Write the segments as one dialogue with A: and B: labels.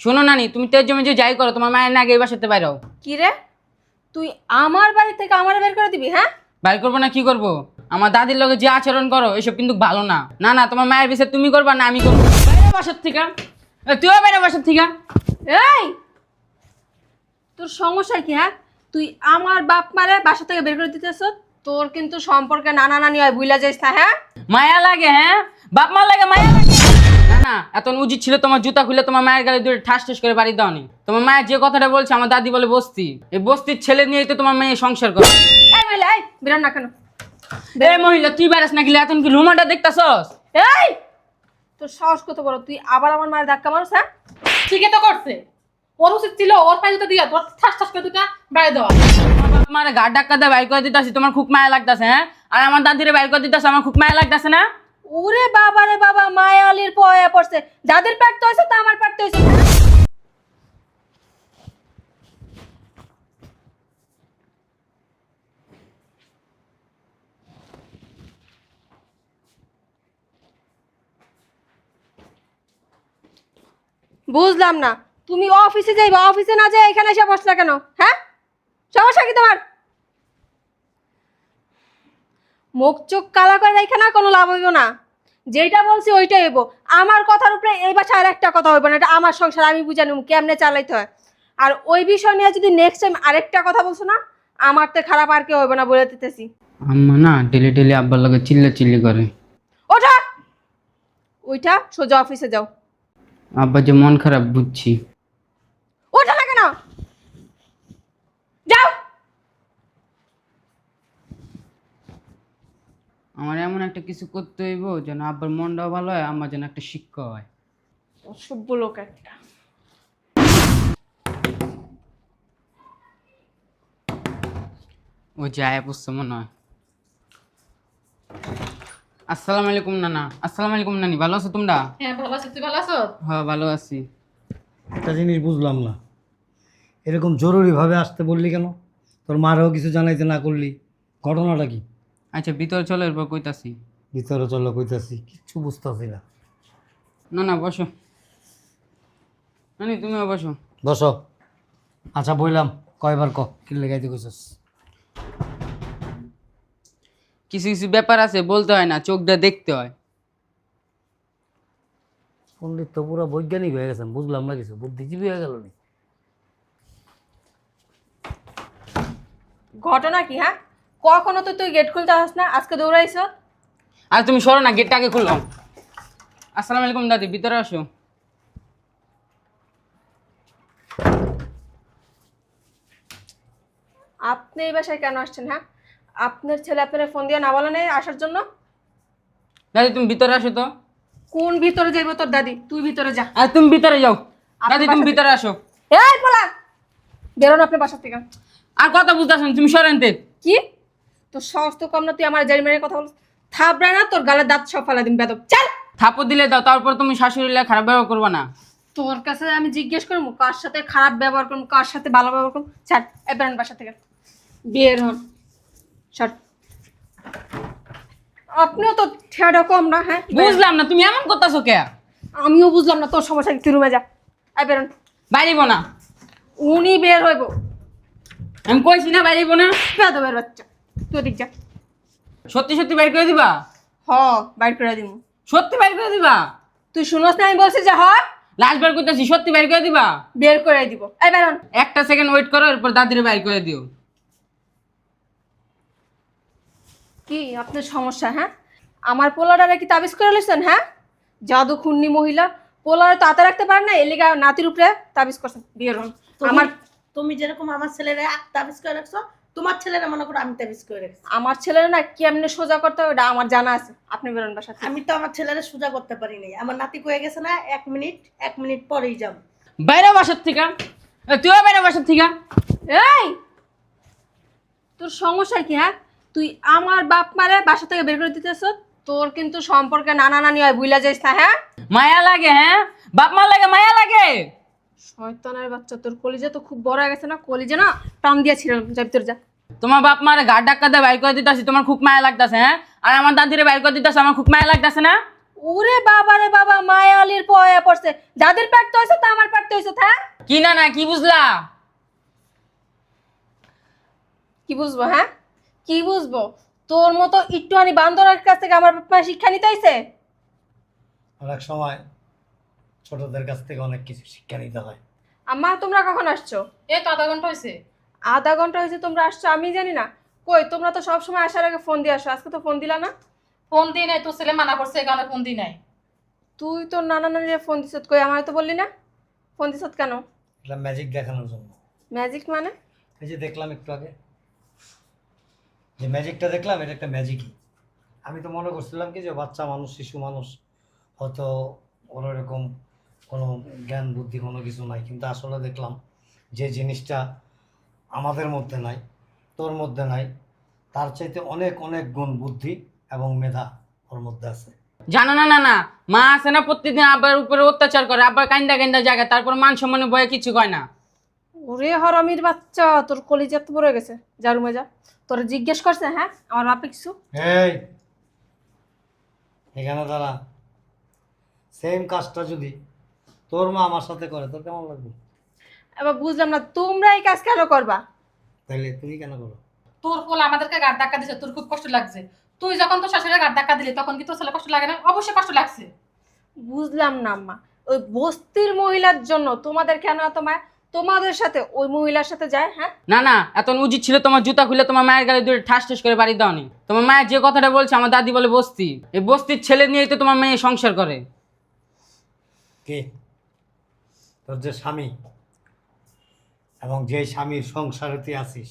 A: শোনো নানি, তুমি তেজ জমে যে যাই করো, তোমার মায়ের না আগে এই বাসাতে বাইরে হও।
B: কি রে, তুই আমার বাড়ি থেকে আমার বের করে দিবি? হ্যাঁ,
A: বাইর করবো না কি করবো? আমার দাদির লগে যে আচরণ করো এসব কিন্তু ভালো না। না না, তোমার মায়ের বিষয়ে তুমি করবা না আমি করবো। বাইরে বাসার থেকে, তুইও বাইরে বাসার থেকে।
B: এই তোর সমস্যা কি? হ্যাঁ, তুই আমার বাপ মারে বাসা থেকে বের করে দিতেছ। তোর কিন্তু সম্পর্কে নানা নানি হয়, বুইলা যাইস না। হ্যাঁ,
A: মায়া লাগে, হ্যাঁ বাপ মা লাগে, মায়া লাগে। না না, এত উচিত ছিল তোমার জুতা খুলে তোমার মায়ের গালে দুটো ঠাস ঠাস করে বাড়ি দাওনি। তোমার মায়ের যে কথাটা বলছে, আমার দাদি বলে বস্তি, এই বস্তির ছেলে নিয়েই তো তোমার মেয়ে সংসার করে।
B: এই মহিলা, এই বেরোন না কেন?
A: এই মহিলা, তুই বেড়াস না গেলে এখন কি রুমাটা দেখতাছস?
B: এই তোর সাহস কত বড়, তুই আবার আমার মায়ের ধাক্কা মারছ? হ্যাঁ,
C: ঠিকই তো করছে। ওর উচিত ছিল ওর পায়ে জুতা দিয়া তোর ঠাস ঠাস করে দুটা বাইরে দেওয়া।
A: আমার গাড় ডাক্কা দিয়ে বাইর করে দিতেছি, তোমার খুব মায়া লাগতেছে, হ্যাঁ? আর আমার দাদিরে বাইর করে দিতেছে, আমার খুব মায়া লাগতেছে না?
B: ওরে বাবা রে বাবা, মায়ালির পয়া পড়ছে। যাদের পারতে হয়েছে তা আমার পারতে হয়েছে। বুঝলাম না, তুমি অফিসে যাইবা, অফিসে না যাই এখানে এসে বসলা কেন? হ্যাঁ, সমস্যা কি তোমার? মুখ চোখ কালা করে রেখে না কোনো লাভ হইব না। যেটা বলছি ওইটাই হইব। আমার কথার উপরে এই বাসায় আর একটা কথা হইব না। এটা আমার সংসার, আমি বুঝে নিব কেমনে চালাইতে হয়। আর ওই বিষয় নিয়ে যদি নেক্সট টাইম আরেকটা কথা বলছো না, আমার তো খারাপ আর কেউ হইব না বলে দিতেছি।
A: আম্মা না ডেলি ডেলি আব্বার লগে চিল্লা চিল্লি করে।
B: ওঠা, ওইটা সোজা অফিসে যাও।
A: আব্বার যে মন খারাপ বুঝছি।
B: ওঠা না কেন? যাও।
A: আমার এমন একটা কিছু করতে হইব যেন আব্বার মনটাও ভালো হয়, আমার যেন একটা শিক্ষা হয়।
B: অসভ্য লোক একটা।
A: ও যায় বুঝছে মনে হয়। আসসালামু আলাইকুম নানা। আসসালামু আলাইকুম নানি, ভালো আছো তোমরা?
C: হ্যাঁ ভালো আছো, তুই ভালো আছো?
A: হ্যাঁ ভালো আছি।
D: একটা জিনিস বুঝলাম না, এরকম জরুরিভাবে আসতে বললি কেন? তোর মারও কিছু জানাইতে না করলি, ঘটনাটা কি?
A: আচ্ছা ভিতরে চলো, এরপর কইতাছি।
D: ভিতরে চলো কইতাছি, কিচ্ছু বুঝতেছি না।
A: না না বসো, নানি তুমিও বসো।
D: বসো। আচ্ছা বললাম, কয়বার কি লেগাইতে কইছস?
A: কিছু কিছু ব্যাপার আছে বলতে হয় না, চোখ দিয়ে দেখতে হয়।
D: পণ্ডিত তো পুরো বৈজ্ঞানিক হয়ে গেছেন, বুঝলাম না কিছু, বুদ্ধিজীবী হয়ে গেল নি।
B: ঘটনা কি? হ্যাঁ, কখনো তো তুই গেট খুলতে আসস না, আজকে দৌড়াইছ।
A: আর তুমি সরো না, গেটটা আগে খুললাম। আসসালামু আলাইকুম দাদি, ভিতরে আসো।
B: আপনি এই বাসায় কেন আসছেন? হ্যাঁ, আপনার ছেলে আপনার ফোন দিয়ে না বলে নেই আসার জন্য?
A: দাদি তুমি ভিতরে আসো তো।
B: কোন ভিতরে যাইব তোর দাদি? তুই ভিতরে যা।
A: আর তুমি ভিতরে যাও।
B: আপনার
A: দাদি তুমি
B: বাসা
A: ভিতরে আসো।
B: এই পোলা, বেরোন আপনার বাসা থেকে।
A: আর কথা বুঝতেছ না, তুমি সরেন তে।
B: কি তোর সাহস তো কম না? তুই আমার জারি মেরে কথা বল। থাবড়া না তোর গালে দাঁত সব ফেলা দিন বেদব। চল।
A: থাপড় দিলে দাও, তারপর তুমি শাশুড়ি লাগে খারাপ ব্যবহার করবে না।
B: তোর কাছে আমি জিজ্ঞেস করবো কার সাথে খারাপ ব্যবহার করবো, কার সাথে ভালো ব্যবহার করবো? ছাড়, এই বেরোন বাসা থেকে। বের হন, ছাড়। আপনিও তো ঠেয়াটা কম না। হ্যাঁ,
A: বুঝলাম না তুমি এমন করতেছো কে?
B: আমিও বুঝলাম না তোর সমস্যা কি। তুই রুমে যা। এই বেরোন।
A: বাইরেব না।
B: উনি বের হইব।
A: আমি কইছি না বাইরেব না।
B: বেদবের বাচ্চা, তুই দিক যা।
A: সত্যি সত্যি বাইর করে দিবা?
B: হ, বাইর করে দিব।
A: সত্যি বাইর করে দিবা?
B: তুই শুনোস না আমি বলছি যে হ?
A: লাস্ট বার করতেছি, সত্যি বাইর করে দিবা?
B: বের করে দিব। এই বেরোন।
A: একটা সেকেন্ড ওয়েট করো, এরপর দাদিরে বাইর করে দিও।
B: কি আপনার সমস্যা? হ্যাঁ, আমার পোলাটারে কি তাবিজ করে লেছেন? হ্যাঁ, জাদু খুন্নি মহিলা। পোলারে তো হাতে রাখতে পারে না, এলিগা নাতির উপরে তাবিজ করছেন। বের হন। আমার
E: তুমি যেরকম আমার ছেলেরা তাবিজ করে রাখছো, তোমার ছেলেরা মনে করো আমি তাবিজ করে রাখছি।
B: আমার ছেলের না কেমনে সোজা করতে হবে ওটা আমার জানা আছে। আপনি বেরোন বাসা থেকে।
E: আমি তো আমার ছেলেরা সোজা করতে পারি নাই। আমার নাতি কয়ে গেছে না, 1 মিনিট পরেই যাব।
A: বাইরে বাসার থেকে। তুইও বাইরে বাসার থেকে।
B: এই তোর সমস্যা কি? হ্যাঁ, তুই আমার বাপ মারে বাসা থেকে বের করে দিতেছ। তোর কিন্তু সম্পর্কে নানা নানি হয়, বুইলা যাইস না। হ্যাঁ,
A: মায়া লাগে, হ্যাঁ বাপ মা লাগে, মায়া লাগে।
B: শয়তানের বাচ্চা, তোর কলিজা তো খুব বড় হয়ে গেছে না? কলিজা না টান দিয়েছিলাম। যা ভিতরে যা।
A: তোমার বাপ মারে গাড় ডাক্কা দিয়ে বাইর করে দিতেছি, তোমার খুব মায়া লাগতেছে, হ্যাঁ? আর আমার দাদিরে বাইর করে দিতেছে, আমার খুব মায়া লাগতেছে না?
B: ওরে বাবা রে বাবা, মায়ালির পয়া পড়ছে। যাদের পারতে হয়েছে তা আমার পারতে হয়েছে।
A: কি না না কি বুঝলা?
B: কি বুঝবো হ্যাঁ? কি বুঝবো? তোর মতো একটুখানি বান্দরের কাছ থেকে আমার বাপ মা শিক্ষা নিতে আইছে?
D: অনেক সময় ছোটদের কাছ থেকে অনেক কিছু শিক্ষা নিতে হয়।
B: আম্মা তোমরা কখন আসছো?
C: এই তো আধা ঘন্টা হয়েছে।
B: আধা ঘন্টা হয়েছে তোমরা আসছো, আমি জানি না। কই তোমরা তো সব সময় আসার আগে ফোন দিয়ে আসো, আজকে তো ফোন দিলা না।
C: ফোন দিই নাই, তোর ছেলে মানা করছে এই কারণে ফোন দিই নাই।
B: তুই তো নানা নানির ফোন দিছ, কই আমার তো বললি না। ফোন দিছ কেন?
D: এটা ম্যাজিক দেখানোর জন্য।
B: ম্যাজিক মানে?
D: এই যে দেখলাম একটু আগে যে ম্যাজিকটা দেখলাম, এটা একটা ম্যাজিকই। আমি তো মনে করছিলাম কি যে বাচ্চা মানুষ, শিশু মানুষ, হয়তো ওর এরকম কোনো জ্ঞান বুদ্ধি কোনো কিছু নাই, কিন্তু আসলে দেখলাম যে জিনিসটা আমাদের মধ্যে নাই, তোর মধ্যে নাই, তার চাইতে অনেক অনেক গুণ বুদ্ধি এবং মেধা ওর মধ্যে আছে।
A: জানো না না না, মা আছে না প্রত্যেকদিন আব্বার উপরে অত্যাচার করে, আব্বার কান্দা কান্দা জায়গা, তারপর মান সম্মানের ভয়ে কিছু কয় না।
B: ওরে হরামির বাচ্চা, তোর কলিজা তো পড়ে গেছে। যা রুমে যা। তোর জিজ্ঞেস করছে হ্যাঁ আমার বাপে কিছু?
D: এই এখানে দাঁড়া। সেম কাজটা যদি তোর মা আমার সাথে করে তোর কেমন লাগবে?
B: এবার বুঝলাম না তোমরা এই কাজ কেন করবা?
D: তাইলে তুমি কেন করো?
C: তোর ফল আমাদেরকে গাড় ধাক্কা দিছে, তোর খুব কষ্ট লাগছে। তুই যখন তোর শাশুড়ির গাড় ধাক্কা দিলি তখন কি তোর ছেলে কষ্ট লাগে না? অবশ্যই কষ্ট লাগছে।
B: বুঝলাম না আম্মা, ওই বস্তির মহিলার জন্য তোমাদের কেন এত মায়া? তোমাদের সাথে ওই মহিলার সাথে যায় হ্যাঁ?
A: না না, এত উচিত ছিল তোমার জুতা খুলে তোমার মায়ের গালে দূরে ঠাস ঠাস করে বাড়ি দাওনি। তোমার মায়ের যে কথাটা বলছে আমার দাদি বলে বস্তি, এই বস্তির ছেলে নিয়েই তো তোমার মেয়ে সংসার করে।
D: কে? তোর যে স্বামী, এবং যে স্বামীর সংসারে তুই আছিস,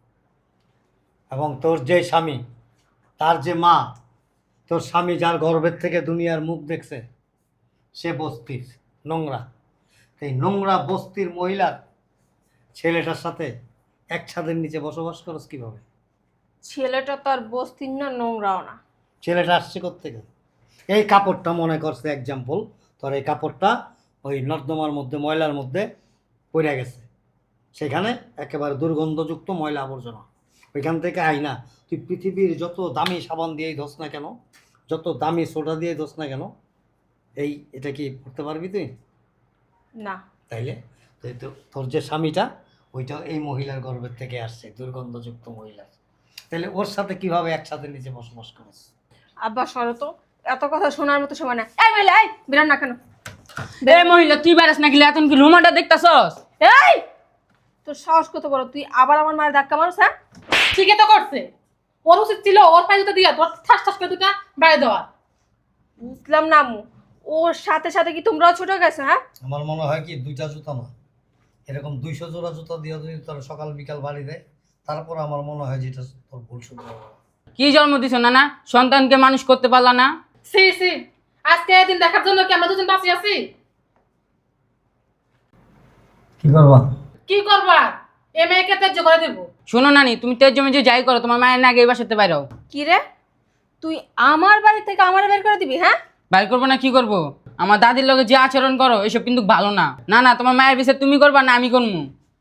D: এবং তোর যে স্বামী, তার যে মা, তোর স্বামী যার গর্ভের থেকে দুনিয়ার মুখ দেখছে, সে বস্তির নোংরা। এই নোংরা বস্তির মহিলার ছেলেটার সাথে এক ছাদের নিচে বসবাস করস কিভাবে?
B: ছেলেটা তো আর বস্তির না, নোংরাও না।
D: ছেলেটা আসছে কোত্থেকে? এই কাপড়টা মনে করছে এক্সাম্পল, তোর এই কাপড়টা ওই নর্দমার মধ্যে, ময়লার মধ্যে পড়ে গেছে, সেখানে একেবারে দুর্গন্ধযুক্ত ময়লা আবর্জনা, ওইখান থেকে আইনা তুই পৃথিবীর যত দামি সাবান দিয়েই ধোস না কেন, যত দামি সোডা দিয়ে ধোস না কেন, এটা কি করতে পারবি তুই?
B: না।
D: তাইলে তোর যে স্বামীটা, ওইটা এই মহিলার গর্ভের থেকে আসছে, দুর্গন্ধযুক্ত মহিলা। তাহলে ওর সাথে কিভাবে একসাথে নিচে বসবাস করিস?
B: আব্বা সরো তো, এত কথা শোনার মতো সময় না। এই মহিলা, এই বিরান না কেন?
A: এ মহিলা, তুই বেড়াস না গেলে এখন কি রুমাটা দেখতাছস?
B: এই তোর সাহস কত বড়, তুই আবার আমার মায়ের ধাক্কা মারছ হ্যাঁ?
C: ঠিকই তো করছে। ওর উচিত ছিল ওর পায়ে জুতা দিয়া তোর ঠাস ঠাস করে দুটা বাইরে দেওয়া।
B: বুঝলাম না আম্মু, ওর সাথে সাথে কি তোমরাও ছোট গেছো হ্যাঁ?
D: আমার মনে হয় কি, দুইটা জুতা না, এরকম 200 জোড়া জুতা দিয়ে যদি তোর সকাল বিকাল বাড়ি দেয়, তারপর আমার মনে হয় যেটা তোর ভুল শুধু।
A: কি জন্ম দিছো না না, সন্তানকে মানুষ করতে পারলা না?
C: সি সি, আজকে এই দিন দেখার জন্য কি আমরা দুজন বাঁচি আছি?
D: কি করবা?
C: কি করবা? এ মেয়েকে ত্যায্য করে দেবো।
A: শোনো নানি, তুমি তেজ জমে যে যাই করো, তোমার মায়ের না আগে এই বাসাতে বাইরাও।
B: কি রে, তুই আমার বাড়ি থেকে আমার বের করে দিবি হ্যাঁ?
A: বাইর করবো না কি করবো? আমার দাদির লগে যে আচরণ করো এসব কিন্তু ভালো না। না না, তোমার মায়ের বিচার তুমি করবা না আমি করবো?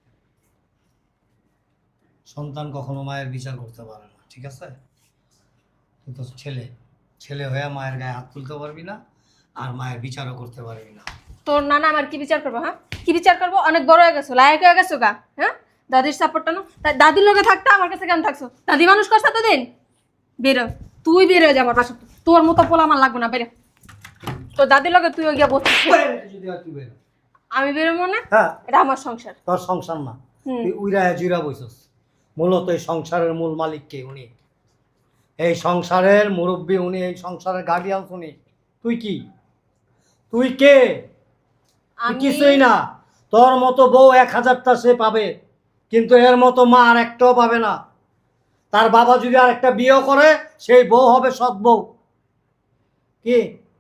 D: সন্তান কখনো মায়ের বিচার করতে পারে না, ঠিক আছে? তুই তো ছেলে, ছেলে হয়ে মায়ের গায়ে হাত তুলতে পারবি না, আর মায়ের বিচারও করতে পারবি না।
B: তোর নানা আমার কি বিচার করবো হ্যাঁ? কি বিচার করবো? অনেক বড় হয়ে গেছো, লায়ক হয়ে গেছো গা হ্যাঁ? দাদির সাপোর্টটা না, দাদির লগে থাকতে আমার কাছে কেন থাকছো? দাদি মানুষ করছে এতদিন। বেরো, তুই বেরো যা আমার বাসা। তোর মতো পোলা আমার লাগবে না, বেরো। তোর দাদির লগে তুই গিয়া বসছিস।
D: যদি আর তুই বেরো।
B: আমি বেরোবো না,
D: হ্যাঁ,
B: এটা আমার সংসার।
D: তোর সংসার না,
B: হুম।
D: তুই উইরা জুইরা বইছস। মূলত এই সংসারের মূল মালিক কে? উনি। এই সংসারের মুরব্বী উনি, এই সংসারের গার্ডিয়ান উনি। তুই কি? তুই কে? তুই কিছুই না। তোর মতো বউ 1000টা সে পাবে, কিন্তু এর মতো মা আর একটাও পাবে না। তার বাবা যদি আর একটা বিয়ে করে, সেই বউ হবে সৎ বউ। কি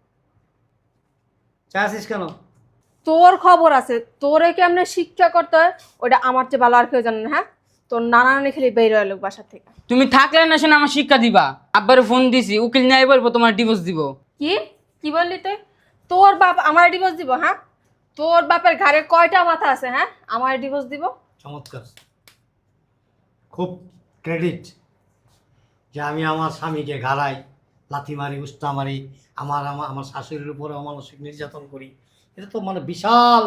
D: চাইছিস কেন?
B: তোর খবর আছে, তোরে কেমনে শিক্ষা করতে হয় ওটা আমার চেয়ে ভালো আর কেউ জানে না হ্যাঁ? তোর নানা নানি খালি বের হয়ে লোক বাসা থেকে।
A: তুমি থাকলে না শোনা আমার শিক্ষা দিবা। আব্বারে ফোন দিছি, উকিল নিয়ে বলবো তোমার ডিভোর্স দিব।
B: কি কি বললি তুই? তোর বাপ আমার ডিভোর্স দিব হ্যাঁ? তোর বাপের ঘাড়ে কয়টা মাথা আছে হ্যাঁ আমার ডিভোর্স দিব?
D: চমৎকার, খুব ক্রেডিট যে আমি আমার স্বামীকে গাড়াই, লাথি মারি, উস্তা মারি, আমার আমার আমার শাশুড়ির উপরে অমানসিক নির্যাতন করি। এটা তো মানে বিশাল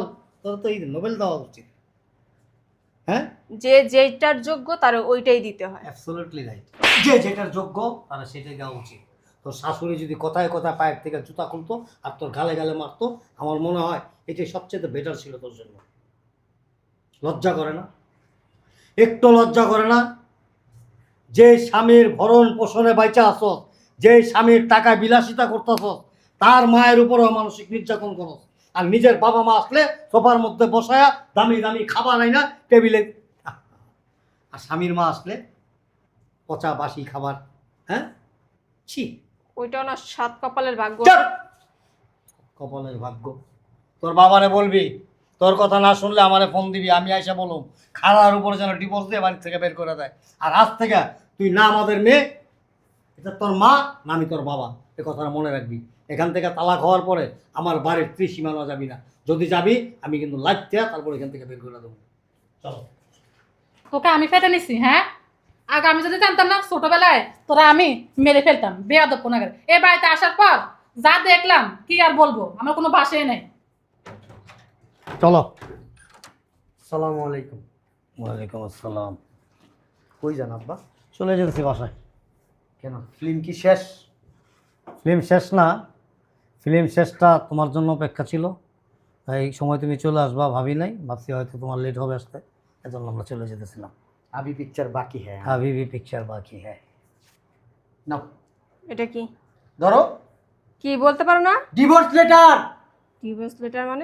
D: তোর তো এই নোবেল দেওয়া উচিত। হ্যাঁ,
B: যে যেটার যোগ্য তার ওইটাই দিতে হয়।
D: Absolutely right. যে যেটার যোগ্য তারা সেটাই দেওয়া উচিত। তোর শাশুড়ি যদি কথায় কথায় পায়ের থেকে জুতা খুলতো আর তোর গালে গালে মারতো, আমার মনে হয় এটাই সবচেয়ে বেটার ছিল তোর জন্য। লজ্জা করে না? একটু লজ্জা করে না? যে স্বামীর ভরণ পোষণে বাইচা আসস, যে স্বামীর টাকায় বিলাসিতা করতেছস, তার মায়ের উপরও মানসিক নির্যাতন করস। আর নিজের বাবা মা আসলে সোফার মধ্যে বসায়া দামি দামি খাবার আইনা টেবিলে, আর স্বামীর মা আসলে পচা বাসি খাবার। হ্যাঁ, ছি।
B: ওইটাও না সাত কপালের ভাগ্য।
D: চুপ! কপালের ভাগ্য। তোর বাবারে বলবি, তোর কথা না শুনলে আমারে ফোন দিবি, আমি আইসা বলুম খাড়ার উপরে যেন ডিভোর্স দিয়ে বাড়ি থেকে বের করে দেয়। আর আজ থেকে তুই না আমাদের মেয়ে, এটা তোর মা না আমি তোর বাবা, এ কথাটা মনে রাখবি। এখান থেকে তালাক হওয়ার পরে আমার বাড়ির ত্রিসীমানা যাবি না। যদি যাবি আমি কিন্তু লাগতে তারপর এখান থেকে বের করে দেবো। চলো।
C: তোকে আমি ফেটে নিছি, হ্যাঁ? আগে আমি যদি জানতাম না ছোটবেলায় তোরা আমি মেরে ফেলতাম বেয়াদব কোনাগার। এ বাড়িতে আসার পর যা দেখলাম কি আর বলবো, আমার কোনো ভাষাই নেই।
D: চলো। আসসালামু আলাইকুম। ওয়ালাইকুম আসসালাম। কই যান আব্বা? চলে যেতেছি বাসায়। কেন, ফিল্ম কি শেষ? ফিল্ম শেষ না, ফিল্ম শেষটা তোমার জন্য অপেক্ষা ছিল। এই সময় তুমি চলে আসবা ভাবি নাই, ভাবছি হয়তো তোমার লেট হবে আসতে, এজন্য আমরা চলে যেতেছিলাম।
F: अभी पिक्चर बाकी है।
D: अभी भी पिक्चर बाकी है।
F: नाउ
B: এটা কি
F: ধরো
B: কি বলতে পারো না?
F: Divorce letter.
B: ডিভোর্স লেটার মানে?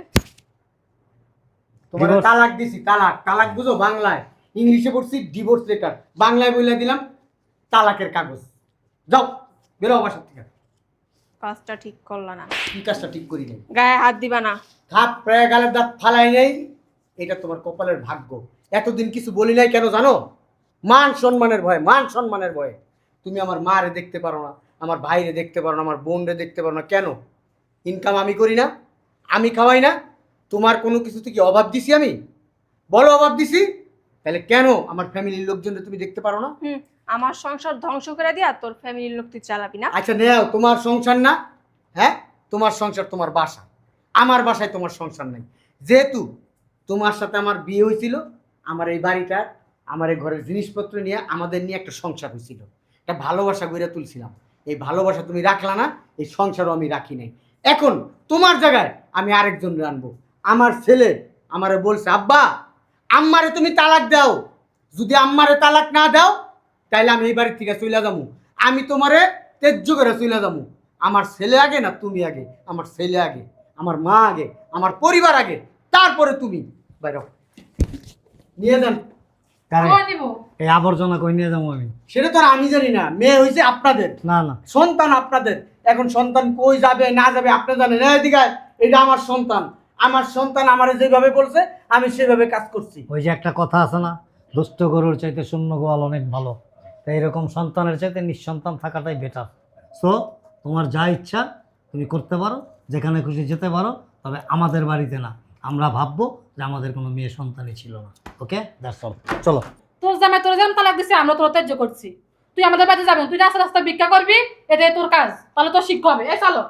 F: তোমার
D: Divorce-
F: তালাক দিছি, তালাক। তালাক বুঝো বাংলায়, ইংলিশে পড়ছি ডিভোর্স লেটার, বাংলায় বলে দিলাম তালাকের কাগজ। যাও বেরো বাসা থেকে।
B: কাজটা ঠিক করলা না।
F: কি কাজটা ঠিক করি নাই?
B: গায়ে হাত দিবা না।
F: হাত প্রায় গালের দাঁত ফালাই নেই, এটা তোমার কপালের ভাগ্য। এতদিন কিছু বলি নাই কেন জানো? মান সম্মানের ভয়ে, মান সম্মানের ভয়ে। তুমি আমার মারে দেখতে পারো না, আমার ভাইরে দেখতে পারো না, আমার বোনরে দেখতে পারো না। কেন? ইনকাম আমি করি না, আমি খাওয়াই না, তোমার কোনো কিছুতে কি অভাব দিছি আমি? বলো অভাব দিছি? তাহলে কেন আমার ফ্যামিলির লোকজনকে তুমি দেখতে পারো না?
B: আমার সংসার ধ্বংস করে দিয়া তোর ফ্যামিলির লোক তুই চালাবি না।
F: আচ্ছা নেও, তোমার সংসার না? হ্যাঁ, তোমার সংসার তোমার বাসা, আমার বাসায় তোমার সংসার নাই। যেহেতু তোমার সাথে আমার বিয়ে হয়েছিল, আমার এই বাড়িটা, আমার এই ঘরের জিনিসপত্র নিয়ে আমাদের নিয়ে একটা সংসার হয়েছিল, একটা ভালোবাসা গড়ে তুলছিলাম। এই ভালোবাসা তুমি রাখলা না, এই সংসারও আমি রাখি নাই। এখন তোমার জায়গায় আমি আরেকজন আনবো। আমার ছেলে আমারে বলছে, আব্বা আম্মারে তুমি তালাক দাও। যদি আম্মারে তালাক না দাও তাইলে আমি এই বাড়ির থেকে চলে যাবো। আমি তোমারে তেজ্য করে চলে যাবো। আমার ছেলে আগে না তুমি আগে? আমার ছেলে আগে, আমার মা আগে, আমার পরিবার আগে, তারপরে তুমি। বাইরে হও। নিয়ে যান।
D: কারে?
C: কই দিব?
D: এই আবর্জনা কই নিয়ে যাবো আমি?
F: সেটা তো আর আমি জানি না। মেয়ে হয়েছে আপনাদের,
D: না না,
F: সন্তান আপনাদের। এখন সন্তান কই যাবে না যাবে আপনি জানেন। এদিকে আয়, এটা আমার সন্তান। আমার সন্তান আমারে যেভাবে বলছে আমি সেভাবে কাজ করছি।
D: ওই যে একটা কথা আছে না, দুষ্ট গরুর চাইতে শূন্য গোয়াল অনেক ভালো। তাই এরকম সন্তানের চাইতে নিঃসন্তান থাকাটাই বেটার। সো তোমার যা ইচ্ছা তুমি করতে পারো, যেখানে খুশি যেতে পারো, তবে আমাদের বাড়িতে না। আমরা ভাববো যে আমাদের কোনো মেয়ে সন্তানই ছিল না। Okay, that's all. চলো।
C: তোর জামাই তোর যেমন তালাক দিছে আমরা তোর ত্যায্য করছি। তুই আমাদের বাড়িতে যাবি না, তুই রাস্তা রাস্তা ভিক্ষা করবি, এটাই তোর কাজ। তাহলে তোর শিক্ষা হবে। এই চলো।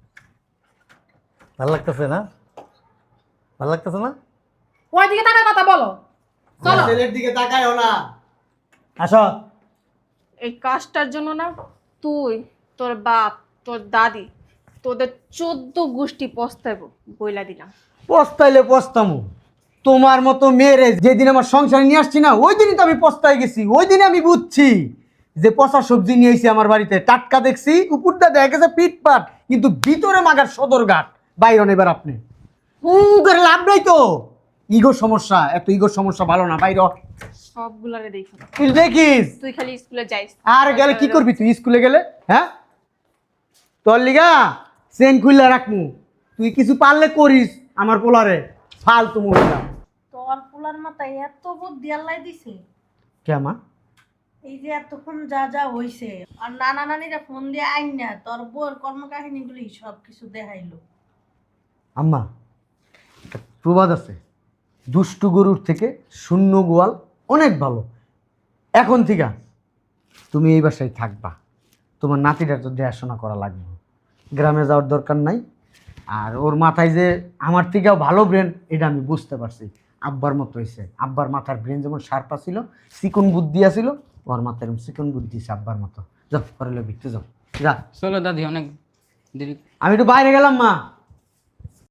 D: ভালো লাগতেছে না? ভালো লাগতেছে না?
C: ওই দিকে তাকার কথা বলো। চলো।
F: ছেলের দিকে তাকায়ও না।
D: আসো।
B: এই কাজটার জন্য না তুই, তোর বাপ, তোর দাদি, তোদের 14 গোষ্ঠী পস্তাইব বইলা দিলাম।
F: পস্তাইলে পস্তামু। তোমার মতো মেয়েরে যেদিন আমার সংসারে নিয়ে আসছি না, ওই দিনই তো আমি পস্তাই গেছি। ওই দিনে আমি বুঝছি যে পচা সবজি নিয়ে এসেছি আমার বাড়িতে। টাটকা দেখছি, উপরটা দেখা গেছে পিটপাট, কিন্তু ভিতরে মাগার সদরঘাট। বাইরন এবার আপনি করে লাভ নাই তো। ইগোর সমস্যা, এত ইগোর সমস্যা ভালো না। বাইর
B: সবগুলারে দেখো।
F: তুই দেখিস।
B: তুই খালি স্কুলে যাইস।
F: আর গেলে কি করবি তুই স্কুলে গেলে? হ্যাঁ, তোর লিগা চেন খুললে রাখমু। তুই কিছু পারলে করিস আমার পোলারে, ফালতু মহিলা।
E: তোর পোলার মাথায় এত বুদ্ধি আল্লাহ দিছে।
F: কেমা?
E: এই যে এতক্ষণ যা যা হইছে, আর নানা নানিরা ফোন দিয়ে আইন না তোর বউর কর্মকাহিনীগুলি সব কিছু দেখাইলো।
F: আম্মা, একটা প্রবাদ আছে, দুষ্টু গরুর থেকে শূন্য গোয়াল অনেক ভালো। এখন থেকে তুমি এই বাসায় থাকবা, তোমার নাতিটার তো দেখাশোনা করা লাগবে। গ্রামে যাওয়ার দরকার নাই। আর ওর মাথায় যে আমার থেকেও ভালো ব্রেন এটা আমি বুঝতে পারছি। আব্বার মতো হয়েছে। আব্বার মাথার ব্রেন যেমন শার্পা ছিল, চিকন বুদ্ধি আছিল, ওর মাথায় এরকম চিকন বুদ্ধি আছে আব্বার মতো। যাও করে ভিতরে যাও, যা।
A: চলো দাদি, অনেক দেরি।
F: আমি একটু বাইরে গেলাম মা।